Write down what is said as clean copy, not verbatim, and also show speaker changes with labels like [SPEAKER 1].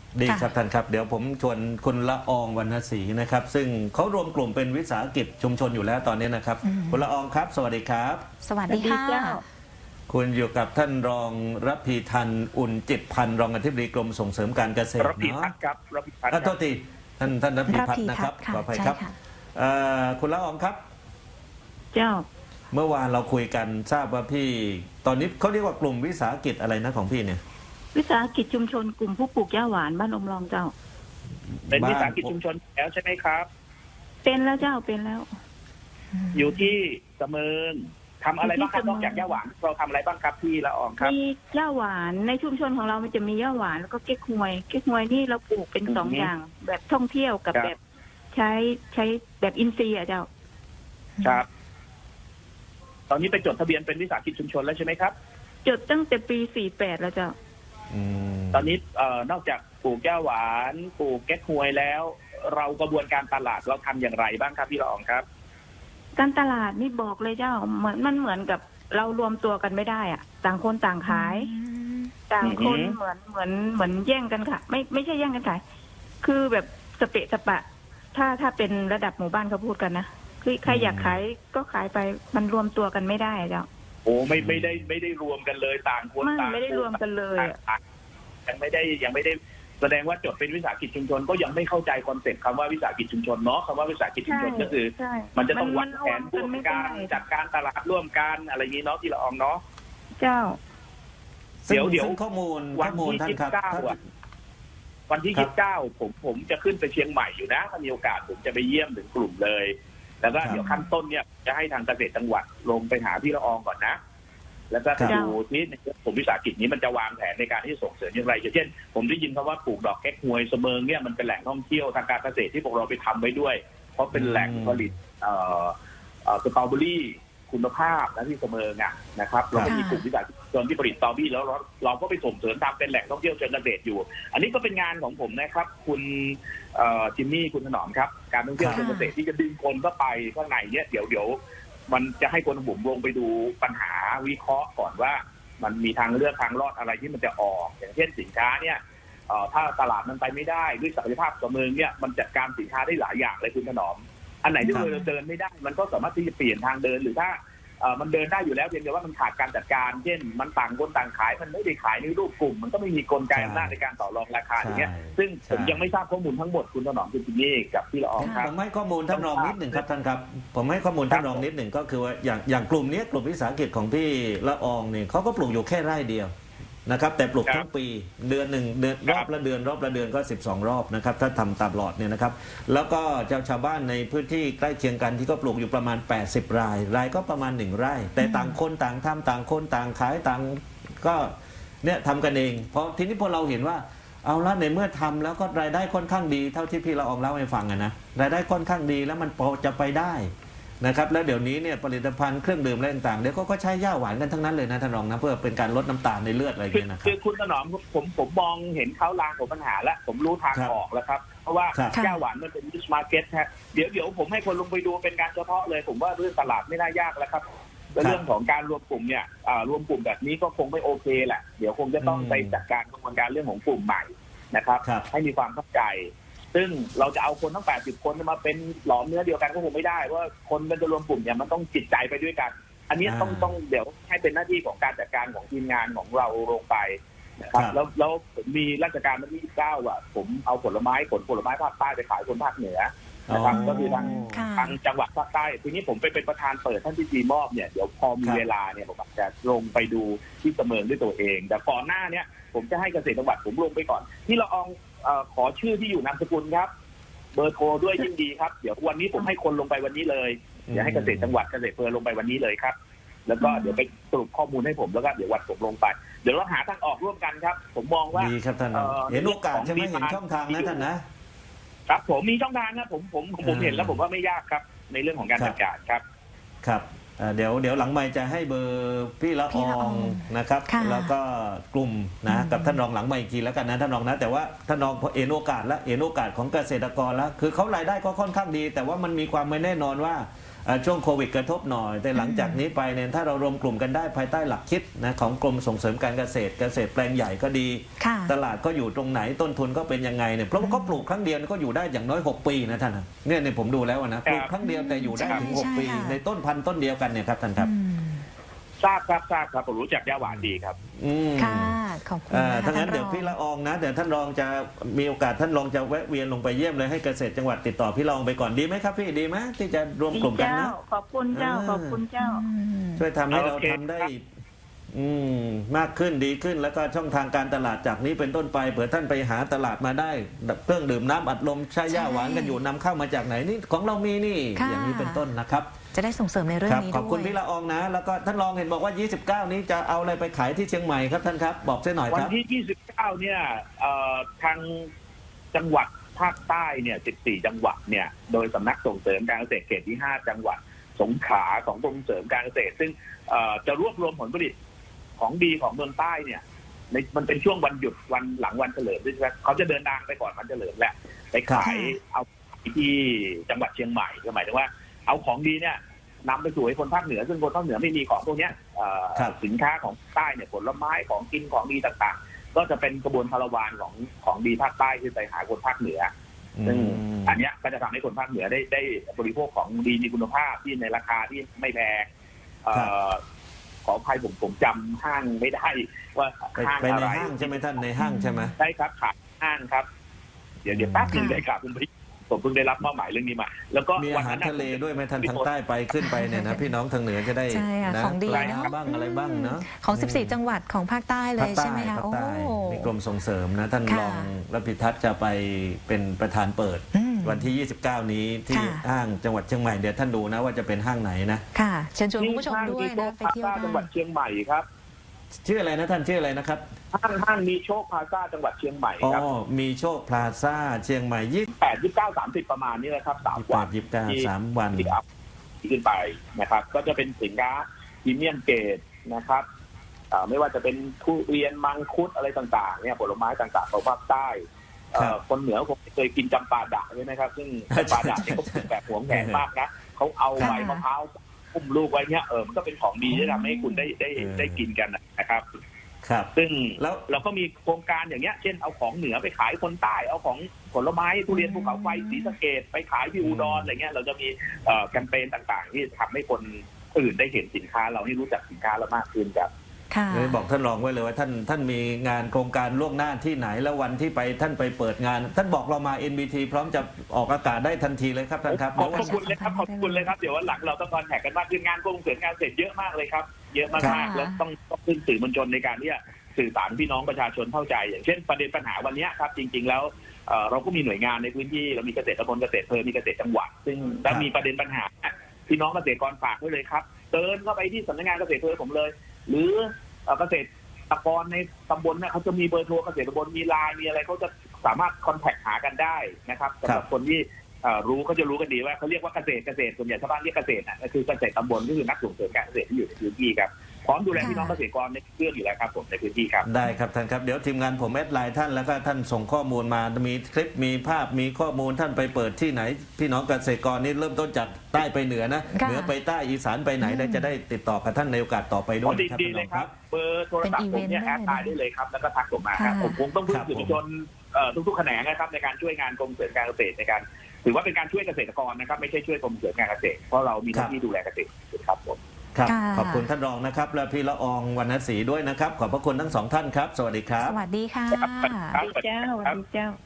[SPEAKER 1] ดีค
[SPEAKER 2] ค่ะ
[SPEAKER 1] รับท่านครับเดี๋ยวผมชวนคุณละอองวรรณศรีนะครับซึ่งเขารวมกลุ่มเป็นวิสาหกิจชุมชนอยู่แล้วตอนนี้นะครับคุณละอองครับสวัสดีครับ
[SPEAKER 2] สวัส
[SPEAKER 3] สวัสดี
[SPEAKER 2] ดีค่ะ
[SPEAKER 3] เจ้า
[SPEAKER 1] คุณอยู่กับท่านรองระพีทันอุ่นจิตพันธ์รองอธิบดีกรมส่งเสริมการเกษตร
[SPEAKER 4] ระพี
[SPEAKER 1] เนาะ
[SPEAKER 4] พัฒน์ครับระพีพัฒน์ค
[SPEAKER 1] โท
[SPEAKER 4] รับ
[SPEAKER 1] ษทีท่านระพีพัฒน์นะครับ
[SPEAKER 2] ค่ะ
[SPEAKER 1] ขออภัย
[SPEAKER 2] ใช่
[SPEAKER 1] ครับ
[SPEAKER 2] ค่ะ
[SPEAKER 1] คุณละอองครับ
[SPEAKER 3] เจ้า
[SPEAKER 1] เมื่อวานเราคุยกันทราบว่าพี่ตอนนี้เขาเรียกว่ากลุ่มวิสาหกิจอะไรนะของพี่เนี่ย
[SPEAKER 3] วิสาหกิจชุมชนกลุ่มผู้ปลูกหญ้าหวานบ้านอมรองเจ้า
[SPEAKER 4] เป็นวิสาหกิจชุมชนแล้วใช่ไหมครับ
[SPEAKER 3] เป็นแล้วเจ้าเป็นแล้ว
[SPEAKER 4] อยู่ที่เสมิงทำอะไรบ้างครับ
[SPEAKER 3] อยู่ที่เสมิง
[SPEAKER 4] นอกจากย่าหวานเราทำอะไรบ้างครับพี่ละอองครับ
[SPEAKER 3] มีหญ้าหวานในชุมชนของเรามันจะมีหญ้าหวานแล้วก็เก๊กฮวยเก๊กฮวยนี่เราปลูกเป็น
[SPEAKER 4] อือฮึ
[SPEAKER 3] สองอย่าง แบบท่องเที่ยวกับ
[SPEAKER 4] ครับ
[SPEAKER 3] แบบใช้แบบอินทรีย์อ่ะเจ้า
[SPEAKER 4] ครับ ตอนนี้ไปจดทะเบียนเป็นวิสาหกิจชุมชนแล้วใช่ไหมครับ
[SPEAKER 3] จดตั้งแต่ปี48แล้วเจ้า
[SPEAKER 4] ตอนนี้นอกจากปลูกย่าหวานปลูกแก๊กฮวยแล้ว เรากระบวนการตลาดเราทำอย่างไรบ้างครับพี่ละอองครับ
[SPEAKER 3] การตลาดนี่บอกเลยเจ้ามันเหมือนกับเรารวมตัวกันไม่ได้อ่ะ ต่างคนต่างขาย ต่างคน
[SPEAKER 4] อือฮึ
[SPEAKER 3] เหมือนแย่งกันค่ะ ไม่ใช่แย่งกันขาย คือแบบสเปะสปะ ถ้าเป็นระดับหมู่บ้านเขาพูดกันนะคือใครอยากขายก็ขายไปมันรวมตัวกันไม่ได้อะเจ้า
[SPEAKER 4] โอ้ไม่ได้รวมกันเลยต่างคนต่าง
[SPEAKER 3] ไม่ได้รวมกันเลยอะ
[SPEAKER 4] ยังไม่ได้แสดงว่าจดเป็นวิสาหกิจชุมชนก็ยังไม่เข้าใจคอนเซ็ปต์คำว่าวิสาหกิจชุมชนเนาะคำว่าวิสาหกิจชุมชนก็คือ
[SPEAKER 3] ใช่
[SPEAKER 4] มันจะต้องวาง
[SPEAKER 3] ร
[SPEAKER 4] แผ
[SPEAKER 3] วม
[SPEAKER 4] น
[SPEAKER 3] กั
[SPEAKER 4] ร่วม
[SPEAKER 3] ไม่
[SPEAKER 4] กั
[SPEAKER 3] ได้
[SPEAKER 4] นจัดการตลาดร่วมกันอะไรอย่างนี้เนาะที่ละอองเนาะ
[SPEAKER 3] เจ้า
[SPEAKER 4] เดี๋ยว
[SPEAKER 1] ซึ่งข้อมูล
[SPEAKER 4] วันที่
[SPEAKER 1] ท่านครับ
[SPEAKER 4] 29อ่ะวันที่ 29ผมจะขึ้นไปเชียงใหม่อยู่นะถ้ามีโอกาสผมจะไปเยี่ยมถึงกลุ่มเลย แล้วก็เดี๋ยวขั้นต้นเนี่ยจะให้ทางเกษตรจังหวัดลงไปหาพี่ละอองก่อนนะ แล้วก็ไปดูที่ในกลุ่มวิสาหกิจนี้มันจะวางแผนในการที่จะส่งเสริมอย่างไรอย่างเช่น ผมได้ยินคำว่าปลูกดอกแก๊กฮวยเสมิงเนี่ยมันเป็นแหล่งท่องเที่ยวทางการเกษตรที่พวกเราไปทำไว้ด้วย เพราะเป็นแหล่งผลิตสตรอเบอรี่คุณภาพนะที่เสมิงอ่ะนะครับเราก็มีกลุ่มวิสาหกิจชุมชนที่ผลิตสตรอเบอรี่แล้วเราก็ไปส่งเสริมทำเป็นแหล่งท่องเที่ยวเชิงเกษตรอยู่ อันนี้ก็เป็นงานของผมนะครับคุณจิมมี่คุณถนอมครับการท่องเที่ยวเชิงเกษตรที่จะดึงคนเข้าไปข้างในเนี่ยเดี๋ยวมันจะให้คนบุ๋มลงไปดูปัญหาวิเคราะห์ก่อนว่ามันมีทางเลือกทางรอดอะไรที่มันจะออกอย่างเช่นสินค้าเนี่ยถ้าตลาดมันไปไม่ได้ด้วยศักยภาพเสมิงเนี่ยมันจัดการสินค้าได้หลายอย่างเลยคุณถนอมอันไหนที่เราเดินไม่ได้มันก็สามารถที่จะเปลี่ยนทางเดินหรือถ้ามันเดินได้อยู่แล้วเพียงแต่ว่ามันขาดการจัดการเช่นมันต่างคนต่างขายมันไม่ได้ขายในรูปกลุ่มมันก็ไม่มีกลไกอำนาจในการต่อรองราคาอย่างเงี้ยซึ่งผมยังไม่ทราบข้อมูลทั้งหมดคุณถนอมคุณจิมมี่กับพี่ละอองครับ
[SPEAKER 1] ผมให้ข้อมูลท่านรองนิดหนึ่งครับท่านครับผมให้ข้อมูลท่านรองนิดหนึ่งก็คือว่าอย่างกลุ่มนี้กลุ่มวิสาหกิจของพี่ละอองเนี่ยเขาก็ปลูกอยู่แค่ไร่เดียวนะครับแต่ปลูกทั้งปีเดือนหนึ่งเดือนรอบละเดือนก็12 รอบนะครับถ้าทำตามหลอดเนี่ยนะครับแล้วก็ชาวบ้านในพื้นที่ใกล้เคียงกันที่ก็ปลูกอยู่ประมาณ80 รายก็ประมาณ1 ไร่แต่ต่างคนต่างทำต่างคนต่างขายต่างก็เนี่ยทำกันเองเพราะทีนี้พอเราเห็นว่าเอาละในเมื่อทำแล้วก็รายได้ค่อนข้างดีเท่าที่พี่ละอองเล่าให้ฟังนะรายได้ค่อนข้างดีแล้วมันพอจะไปได้นะครับแล้วเดี๋ยวนี้เนี่ยผลิตภัณฑ์เครื่องดื่มอะไรต่างๆเดี๋ยวก็ใช้ย่าหวานกันทั้งนั้นเลยนะท่านรองนะเพื่อเป็นการลดน้ำตาลในเลือดอะไรอย่างเงี้ยนะครับ
[SPEAKER 4] คือคุณถนอมผมมองเห็นเขาลางของปัญหาแล้วผมรู้ทางออกแล้วครับเพราะว่าย่าหวานมันเป็นนิชมาร์เก็ตฮะเดี๋ยวผมให้คนลงไปดูเป็นการเฉพาะเลยผมว่าเรื่องตลาดไม่น่ายากแล้วครับและเรื่องของการรวมกลุ่มเนี่ยรวมกลุ่มแบบนี้ก็คงไม่โอเคแหละเดี๋ยวคงจะต้องไปจัดการกระบวนการเรื่องของกลุ่มใหม่นะครับให้มีความเข้าใจซึ่งเราจะเอาคนทั้ง80 คนมาเป็นหลอมเนื้อเดียวกันก็คงไม่ได้เพราะคนมันจะรวมกลุ่มเนี่ยมันต้องจิตใจไปด้วยกันอันนี้ต้องเดี๋ยวให้เป็นหน้าที่ของการจัดการของทีมงานของเราลงไปนะครับแล้วผมมีราชการวันที่29อ่ะผมเอาผลไม้ภาคใต้ไปขายคนภาคเหนือนะครับก็คือทางจังหวัดภาคใต้ทีนี้ผมไปเป็นประธานเปิดท่านที่ดีมอบเนี่ยเดี๋ยวพอมีเวลาเนี่ยผมจะลงไปดูที่เสมิงด้วยตัวเองแต่ก่อนหน้าเนี่ยผมจะให้เกษตรจังหวัดผมลงไปก่อนที่ละอองขอชื่อที่อยู่นามสกุลครับเบอร์โทรด้วยยิ่งดีครับเดี๋ยววันนี้ผมให้คนลงไปวันนี้เลยเดี๋ยวให้เกษตรจังหวัดเกษตรอำเภอลงไปวันนี้เลยครับแล้วก็เดี๋ยวไปสรุปข้อมูลให้ผมแล้วก็เดี๋ยววันผมลงไปเดี๋ยวเราหาทางออกร่วมกันครับผมมองว่า
[SPEAKER 1] ดีครับท่านเห็นโอกาสใช่ไหมเห็นช่องทางนะท่านนะครับ
[SPEAKER 4] ผมมีช่องทางนะผมเห็นแล้วผมว่าไม่ยากครับในเรื่องของการจัดการครับ
[SPEAKER 1] ครับเดี๋ยวหลังไมค์จะให้เบอร์พี่ละอองนะครับแล้วก็กลุ่มนะกับท่านรองหลังไมค์อีกทีแล้วกันนะท่านรองนะแต่ว่าท่านรองพอเห็นโอกาสของเกษตรกรแล้วคือเขารายได้ก็ค่อนข้างดีแต่ว่ามันมีความไม่แน่นอนว่าช่วงโควิดกระทบหน่อย แต่หลังจากนี้ไปเนี่ยถ้าเรารวมกลุ่มกันได้ภายใต้หลักคิดนะของกรมส่งเสริมการเกษตรแปลงใหญ่ก็ดี
[SPEAKER 2] ค่ะ
[SPEAKER 1] ตลาดก็อยู่ตรงไหนต้นทุนก็เป็นยังไงเนี่ยเพราะว่าก็ปลูกครั้งเดียวก็อยู่ได้อย่างน้อย6 ปีนะท่านนะเนี่ยผมดูแล้วนะปลูกครั้งเดียวแต่อยู่ได้ถึง6 ปีในต้นพันธุ์ต้นเดียวกันเนี่ยครับท่านครับ
[SPEAKER 4] ทราบครับผมรู้จักย่าหวานดีครับ
[SPEAKER 2] ค่ะขอบคุณนะคะ
[SPEAKER 1] ถ้างั้น
[SPEAKER 2] ท่านรอง
[SPEAKER 1] เดี๋ยวพี่ละอองนะเดี๋ยวท่านรองจะมีโอกาสท่านรองจะแวะเวียนลงไปเยี่ยมเลยให้เกษตรจังหวัดติดต่อพี่ละอองไปก่อนดีไหมครับพี่ดีไหมที่จะรวมกลุ่มกัน
[SPEAKER 3] เจ้า
[SPEAKER 1] นะ
[SPEAKER 3] ขอบคุณเจ้า ขอบคุณเจ้า
[SPEAKER 1] ช่วยทำให้เรา
[SPEAKER 4] โอเค
[SPEAKER 1] ทำได้
[SPEAKER 4] ครับ
[SPEAKER 1] มากขึ้นดีขึ้นแล้วก็ช่องทางการตลาดจากนี้เป็นต้นไปเผื่อท่านไปหาตลาดมาได้เครื่องดื่มน้ำอัดลมใช้ย่าหวานกันอยู่นำเข้ามาจากไหนนี่ของเรามีนี่
[SPEAKER 2] ค่ะ
[SPEAKER 1] อย่างนี้เป็นต้นนะครับ
[SPEAKER 2] จะได้ส่งเสริมในเรื่อง
[SPEAKER 1] ครับ
[SPEAKER 2] นี้
[SPEAKER 1] ขอบคุณ
[SPEAKER 2] ด้วย
[SPEAKER 1] พี่ละอองนะ แล้วก็ท่านรองเห็นบอกว่า 29 นี้จะเอาอะไรไปขายที่เชียงใหม่ครับท่านครับบอกเส้นหน่อย
[SPEAKER 4] วั
[SPEAKER 1] คน รับ
[SPEAKER 4] ที่ 29 เนี่ยทางจังหวัดภาคใต้เนี่ย 14 จังหวัดเนี่ย โดยสำนักส่งเสริมการเกษตรเขตที่ 5 จังหวัดสงขลาของกรมส่งเสริมการเกษตร ซึ่งจะรวบรวมผลผลิตของดีของเมืองใต้เนี่ยมันเป็นช่วงวันหยุดวันหลังวันเฉลิมด้วยใช่ไหมเขาจะเดินทางไปก่อนวันเฉลิมแหละไปขายเอาที่จังหวัดเชียงใหม่หมายถึงว่าเอาของดีเนี่ยนำไปสู่ให้คนภาคเหนือซึ่งคนภาคเหนือไม่มีของพวกเนี้ยสินค้าของใต้เนี่ยผลไม้ของกินของดีต่างๆ ก็จะเป็นกระบวนคาราวานของดีภาคใต้ที่ไปหาคนภาคเหนือซึ่งอันเนี้ยก็จะทำให้คนภาคเหนือได้บริโภคของดีมีคุณภาพที่ในราคาที่ไม่แพงขออภัยผมจำห้างไม่ได้ว่าห้าง
[SPEAKER 1] ไป
[SPEAKER 4] อะ
[SPEAKER 1] ใน
[SPEAKER 4] ไร
[SPEAKER 1] ห้างใช่ไหมท่านในห้างใช่ไหม
[SPEAKER 4] ใช่ครับขายห้างครับ เดี๋ยวแป๊บนึงได้ครับผมเพิ่งได้รับมอบหมายเรื่องนี้มา แล้วก็
[SPEAKER 1] มีอาหารทะเลด้วยไหมท่านทางใต้ไปขึ้นไปเนี่ยนะพี่น้องทางเหนือจะได้
[SPEAKER 2] ใช่ค่ะ
[SPEAKER 1] นะ
[SPEAKER 2] ของดี
[SPEAKER 1] ปลา
[SPEAKER 2] เนอะ
[SPEAKER 1] บ้างอะไรบ้างเนาะ
[SPEAKER 2] ของ 14 จังหวัดของภาคใต้เลยใช่ไหมคะ
[SPEAKER 1] ภาค
[SPEAKER 2] โอ้
[SPEAKER 1] ใต้มีกรมส่งเสริมนะท่าน
[SPEAKER 2] ค่ะ
[SPEAKER 1] รองรับผิทัศน์จะไปเป็นประธานเปิด วันที่ 29 นี้ที่
[SPEAKER 2] ค่ะ
[SPEAKER 1] ห้างจังหวัดเชียงใหม่เดี๋ยวท่านดูนะว่าจะเป็นห้างไหนนะ
[SPEAKER 2] ค่ะเชิญชวนคุณผู้ชมด้วยนะไปเที่ยว
[SPEAKER 4] จังหวั
[SPEAKER 2] ได้
[SPEAKER 4] ดเชียงใหม่ครับ
[SPEAKER 1] ชื่ออะไรนะท่านชื่ออะไรนะครับ
[SPEAKER 4] ห้างมีโชคพลาซ่าจังหวัดเชียงใหม่
[SPEAKER 1] อ๋อ
[SPEAKER 4] ครับ
[SPEAKER 1] มีโชคพลาซ่าเชียงใหม่
[SPEAKER 4] 8 29 30 ประมาณนี้เลยครับ3 วัน
[SPEAKER 1] 28 29 3 วัน
[SPEAKER 4] ที่อัพขึ้นไปนะครับ ก็จะเป็นสินค้าพรีเมียมเกรดนะครับไม่ว่าจะเป็นทุเรียนมังคุดอะไรต่างๆเนี่ยผลไม้ต่างๆของภาคใต้คนเหนือคงเคยกินจำปาดะใช่ไหมครับซึ่งจำปาดะเนี่ยเขาปลูกแบบหวงแหนมากนะเขาเอาใบมะพร้าวอุ้มลูกไว้เนี่ยมันก็เป็นของดีที่ทำให้คุณได้กินกันนะครับ
[SPEAKER 1] ครับ
[SPEAKER 4] ซึ่ง
[SPEAKER 1] แล้ว
[SPEAKER 4] เราก็มีโครงการอย่างเงี้ยเช่นเอาของเหนือไปขายคนใต้เอาของผลไม้ทุเรียนภูเขาไฟศรีสะเกษไปขายที่อุดรอะไรเงี้ยเราจะมีแคมเปญต่างๆ ที่ทำให้คนอื่นได้เห็นสินค้าเราให้รู้จักสินค้าเรามากขึ้นครับ
[SPEAKER 2] ค่ะ
[SPEAKER 1] เลยบอกท่านรองไว้เลยว่าท่านมีงานโครงการล่วงหน้าที่ไหนแล้ววันที่ไปท่านไปเปิดงาน ท่านบอกเรามา NBT พร้อมจะออกอากาศได้ทันทีเลยครับท่านครับ
[SPEAKER 4] ขอบคุณเลยครับขอบคุณเลยครับเดี๋ยววันหลังเราต้องคอนแทคกันมากขึ้นงานกรมส่งเสริมการเกษตรเยอะมากเลยครับเยอะมากๆแล้วต้องขึ้นสื่อมวลชนในการที่จะสื่อสารพี่น้องประชาชนเข้าใจอย่างเช่นประเด็นปัญหาวันนี้ครับจริงๆแล้วเราก็มีหน่วยงานในพื้นที่เรามีเกษตรตำบลเกษตรอำเภอมีเกษตรจังหวัดซึ่งถ้ามีประเด็นปัญหาพี่น้องเกษตรกรฝากไว้เลยครับเดินเข้าไปที่สำนักงานเกษตรอำเภอผมเลย หรือเกษตรกรในตำบลเนี่ยเขาจะมีเบอร์โทรเกษตรตำบลมีไลน์มีอะไรเขาจะสามารถคอนแทคหากันได้นะครับสำหรับคนที่รู้เขาจะรู้กันดีว่าเขาเรียกว่าเกษตรส่วนใหญ่ชาวบ้านเรียกเกษตรก็คือเกษตรตำบลก็คือนักส่งเสริมการเกษตรที่อยู่ในพื้นที่ครับพร้อมดูแลพี่น้องเกษตรกรในเรื่องอยู่แล้วครับผมในพื้นที่ครับ
[SPEAKER 1] ได้ครับท่านครับเดี๋ยวทีมงานผมแอดไลน์ท่านแล้วก็ท่านส่งข้อมูลมามีคลิปมีภาพมีข้อมูลท่านไปเปิดที่ไหน พี่น้องเกษตรกรนี่เริ่มต้นจากใต้ไปเหนือนะเหนือไปใต้อีสานไปไหนได้จะได้ติดต่อกับท่านในโอกาสต่อไปด้วยครับ
[SPEAKER 4] ดีเลยครับเบอร์โทรศัพท์ผมเนี่ยแอดไลน์ได้เลยครับแล้วก็ทักผมมาครับผมคงต้องพึ่งสื่อมวลชนทุกๆแขนงนะครับในการช่วยงานกรมส่งเสริมการเกษตรในการถือว่าเป็นการช่วยเกษตรกรนะครับไม่ใช่ช่วยกรมส่งเสริมการเกษตรเพราะเรามีหน้าที่ดูแลเกษตรครับผม
[SPEAKER 1] ครับ
[SPEAKER 2] ค่ะ
[SPEAKER 1] ขอบคุณท่านรองนะครับและพี่ละอองวรรณศรีด้วยนะครับขอบพระคุณทั้งสองท่านครับ สวัสดีครับ
[SPEAKER 2] สวัสดีค่ะ
[SPEAKER 4] ครับ
[SPEAKER 3] ดีเจ้าดีเจ้า